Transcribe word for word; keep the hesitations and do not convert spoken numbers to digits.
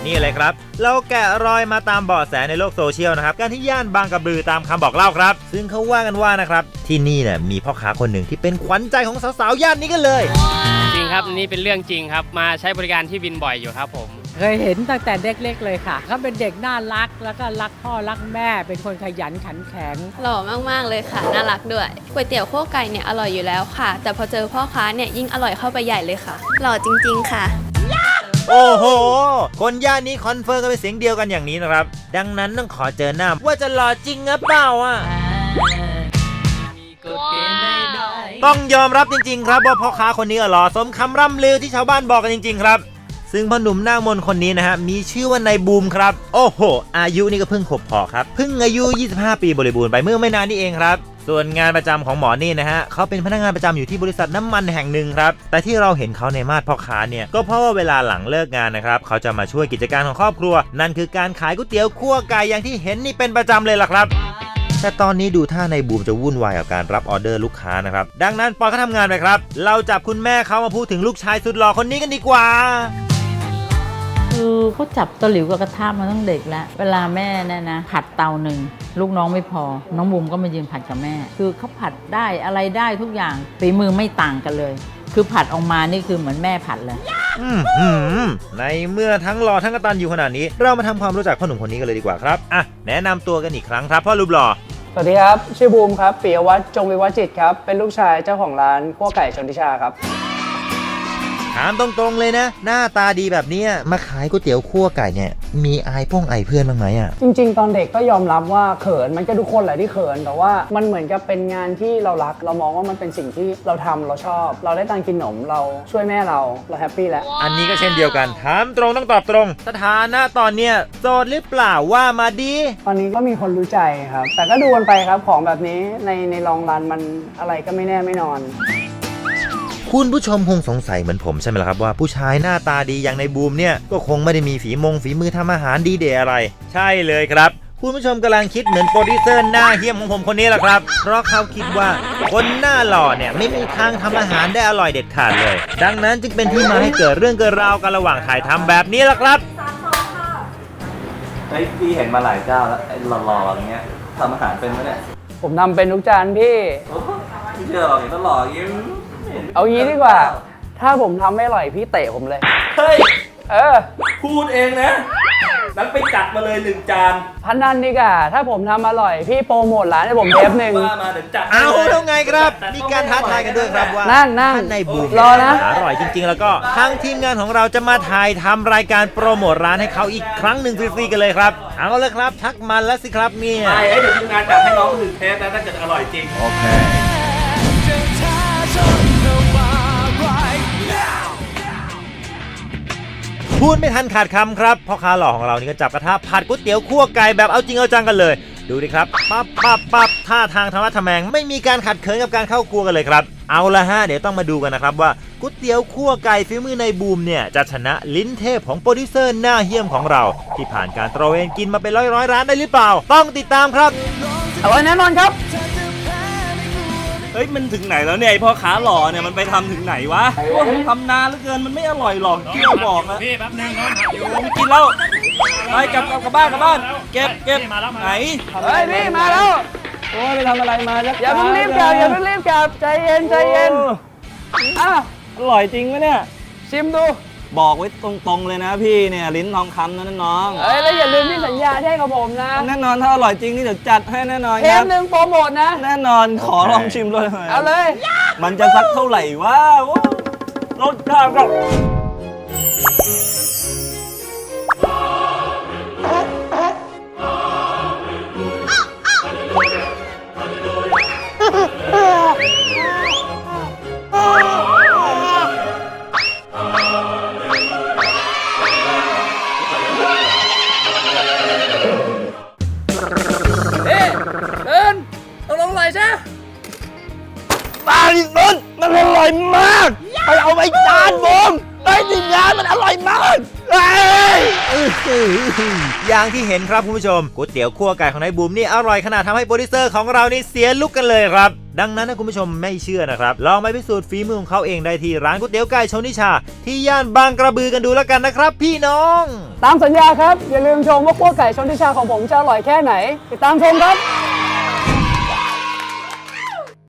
นี่เลยครับเราแกะรอยมาตามเบาะแสในโลกโซเชียลนะครับการที่ย่านบางกระบือตามคำบอกเล่าครับซึ่งเขาว่ากันว่านะครับที่นี่เนี่ยมีพ่อค้าคนหนึ่งที่เป็นขวัญใจของสาวๆย่านนี้กันเลยจริงครับนี่เป็นเรื่องจริงครับมาใช้บริการที่วินบ่อยอยู่ครับผมเคยเห็นตั้งแต่เด็กๆเลยค่ะเขาเป็นเด็กน่ารักแล้วก็รักพ่อรักแม่เป็นคนขยันขันแข็งหล่อมากๆเลยค่ะน่ารักด้วยก๋วยเตี๋ยวคั่วไก่เนี่ยอร่อยอยู่แล้วค่ะแต่พอเจอพ่อค้าเนี่ยยิ่งอร่อยเข้าไปใหญ่เลยค่ะหล่อจริงๆค่ะโอ้โหคนย่านนี้คอนเฟิร์มกันเป็นเสียงเดียวกันอย่างนี้นะครับดังนั้นต้องขอเจอหน้าว่าจะหล่อจริงหรือเปล่าอ่ะต้องยอมรับจริงๆครับว่าพ่อค้าคนนี้หล่อสมคำร่ำลือที่ชาวบ้านบอกกันจริงๆครับซึ่งพ่อหนุ่มหน้ามนคนนี้นะฮะมีชื่อว่านายบูมครับโอ้โหอายุนี่ก็เพิ่งขบพอครับเพิ่งอายุยี่สิบห้าปีบริบูรณ์ไปเมื่อไม่นานนี้เองครับส่วนงานประจำของหมอนี่นะฮะเขาเป็นพนักงานประจำอยู่ที่บริษัทน้ำมันแห่งหนึ่งครับแต่ที่เราเห็นเขาในมาดพ่อค้าเนี่ยก็เพราะว่าเวลาหลังเลิกงานนะครับเขาจะมาช่วยกิจการของครอบครัวนั่นคือการขายก๋วยเตี๋ยวคั่วไก่อย่างที่เห็นนี่เป็นประจำเลยล่ะครับแต่ตอนนี้ดูท่านายบูมจะวุ่นวายกับการรับออเดอร์ลูกค้านะครับดังนั้นปล่อยเขาทำงานไปครับเราจับคุณแม่เขามาพูดถึงลูกชายสุดหล่อคนนี้กันดีกว่าคือเขาจับตะหลิวกับกระทะมาตั้งเด็กแล้วเวลาแม่เนี่ยนะผัดเตาหนึ่งลูกน้องไม่พอน้องบุ๋มก็มายืนผัดกับแม่คือเขาผัดได้อะไรได้ทุกอย่างฝีมือไม่ต่างกันเลยคือผัดออกมานี่คือเหมือนแม่ผัดเลยในเมื่อทั้งหล่อทั้งกตัญญูขนาดนี้เรามาทำความรู้จักพ่อหนุ่มคนนี้กันเลยดีกว่าครับอ่ะแนะนำตัวกันอีกครั้งครับพ่อรูปหล่อสวัสดีครับชื่อบูมครับปิยวัฒน์จงวิวัฒน์จิตครับเป็นลูกชายเจ้าของร้านคั่วไก่ชนทิชาครับถามตรงๆเลยนะหน้าตาดีแบบนี้มาขายก๋วยเตี๋ยวคั่วไก่เนี่ยมีอายพ่องไอเพื่อนบ้างไหมอ่ะจริงๆตอนเด็กก็ยอมรับว่าเขินมันก็ทุกคนแหละที่เขินแต่ว่ามันเหมือนกับเป็นงานที่เรารักเรามองว่ามันเป็นสิ่งที่เราทำเราชอบเราได้ตังค์กินขนมเราช่วยแม่เราเราแฮปปี้แล้วอันนี้ก็เช่นเดียวกันถามตรงต้องตอบตรงสถานะตอนเนี้ยโสดหรือเปล่าว่ามาดีตอนนี้ก็มีคนรู้ใจครับแต่ก็ดูกันไปครับของแบบนี้ในในลองรันมันอะไรก็ไม่แน่ไม่นอนคุณผู้ชมคงสงสัยเหมือนผมใช่ไหมล่ะครับว่าผู้ชายหน้าตาดีอย่างในบูมเนี่ยก็คงไม่ได้มีฝีมงฝีมือทำอาหารดีเด่อะไรใช่เลยครับคุณผู้ชมกำลังคิดเหมือนโปรดิวเซอร์หน้าเหี้ยมของผมคนนี้แหละครับเพราะเขาคิดว่าคนหน้าหล่อเนี่ยไม่มีทางทำอาหารได้อร่อยเด็ดขาดเลยดังนั้นจึงเป็นที่มาให้เกิดเรื่องเกิดราวกันระหว่างถ่ายทำแบบนี้แหละครับเฮ้ยพี่เห็นมาหลายเจ้าแล้วไอ้หล่อๆอย่างเงี้ยทำอาหารเป็นไหมเนี่ยผมทำเป็นทุกจานพี่พี่เชื่อหรอเห็นตลอดอย่างงี้เอางี้ดีกว่าถ้าผมทำไม่อร่อยพี่เตะผมเลยเฮ้ยเออพูดเองนะนั้นไปจัดมาเลยหนึ่งจานพันนันดีกว่าถ้าผมทำอร่อยพี่โปรโมทร้านให้ผมเทปหนึ่งมาเดี๋ยวจัดเอาแล้วไงครับมีการท้าทายกันด้วยครับว่านั่งนั่งในบูมรอนะอร่อยจริงๆแล้วก็ทางทีมงานของเราจะมาถ่ายทำรายการโปรโมทร้านให้เขาอีกครั้งหนึ่งฟรีๆกันเลยครับเอาเลยครับชักมันแล้วสิครับเนี่ยใช่เดี๋ยวทีมงานจัดให้น้องหนึ่งเทปนะถ้าเกิดอร่อยจริงโอเคพูดไม่ทันขาดคำครับพ่อค้าหล่อของเรานี่ก็จับกระทะผัดก๋วยเตี๋ยวคั่วไก่แบบเอาจริงเอาจังกันเลยดูดิครับปั๊บปั๊บปั๊บท่าทางธรรมะทแมงไม่มีการขัดเขินกับการเข้าครัวกันเลยครับเอาละฮะเดี๋ยวต้องมาดูกันนะครับว่าก๋วยเตี๋ยวคั่วไก่ฝีมือในบูมเนี่ยจะชนะลิ้นเทพของโปรดิวเซอร์หน้าเหี้ยมของเราที่ผ่านการตระเวนกินมาเป็นร้อยร้อยร้านได้หรือเปล่าต้องติดตามครับอร่อยแน่นอนครับเฮ้ยมันถึงไหนแล้วเนี่ยไอพ่อค้าหล่อเนี่ยมันไปทำถึงไหนวะทำนานเหลือเกินมันไม่อร่อยหรอกที่เราบอกนะพี่แป๊บนึงน้องอยู่ไม่กินแล้วไปกลับกลับกลับบ้านกลับบ้านเก็บเก็บไหนเฮ้ยพี่มาแล้วโอ้ยไปทำอะไรมาอย่าเพิ่งรีบกลับอย่าเพิ่งรีบกลับใจเย็นใจเย็นอ้าวอร่อยจริงไหมเนี่ยชิมดูบอกไว้ตรงๆเลยนะพี่เนี่ยลิ้นทองคำนะน้องเอ้ยแล้วอย่าลืมที่สัญญาที่ให้กับผมนะแน่นอนถ้าอร่อยจริงนี่เดี๋ยวจัดให้แน่นอนเทปหนึ่งโปรโมทนะแน่นอนขอลองชิมเลยเอาเลยมันจะสักเท่าไหร่วะรสชาติก็มันอร่อยมากไปเอาไปจานบูมไปทีมงานมันอร่อยมากอย่างที่เห็นครับคุณผู้ชมก๋วยเตี๋ยวคั่วไก่ของนายบูมนี่อร่อยขนาดทำให้โปรดิวเซอร์ของเรานี่เสียลุกกันเลยครับดังนั้นถ้าคุณผู้ชมไม่เชื่อนะครับลองไปพิสูจน์ฝีมือของเขาเองได้ที่ร้านก๋วยเตี๋ยวไก่ชนทิชาที่ย่านบางกระบือกันดูแล้วกันนะครับพี่น้องตามสัญญาครับ อย่าลืมชมว่าคั่วไก่ชนทิชาของผมจะอร่อยแค่ไหนติดตามชมครับ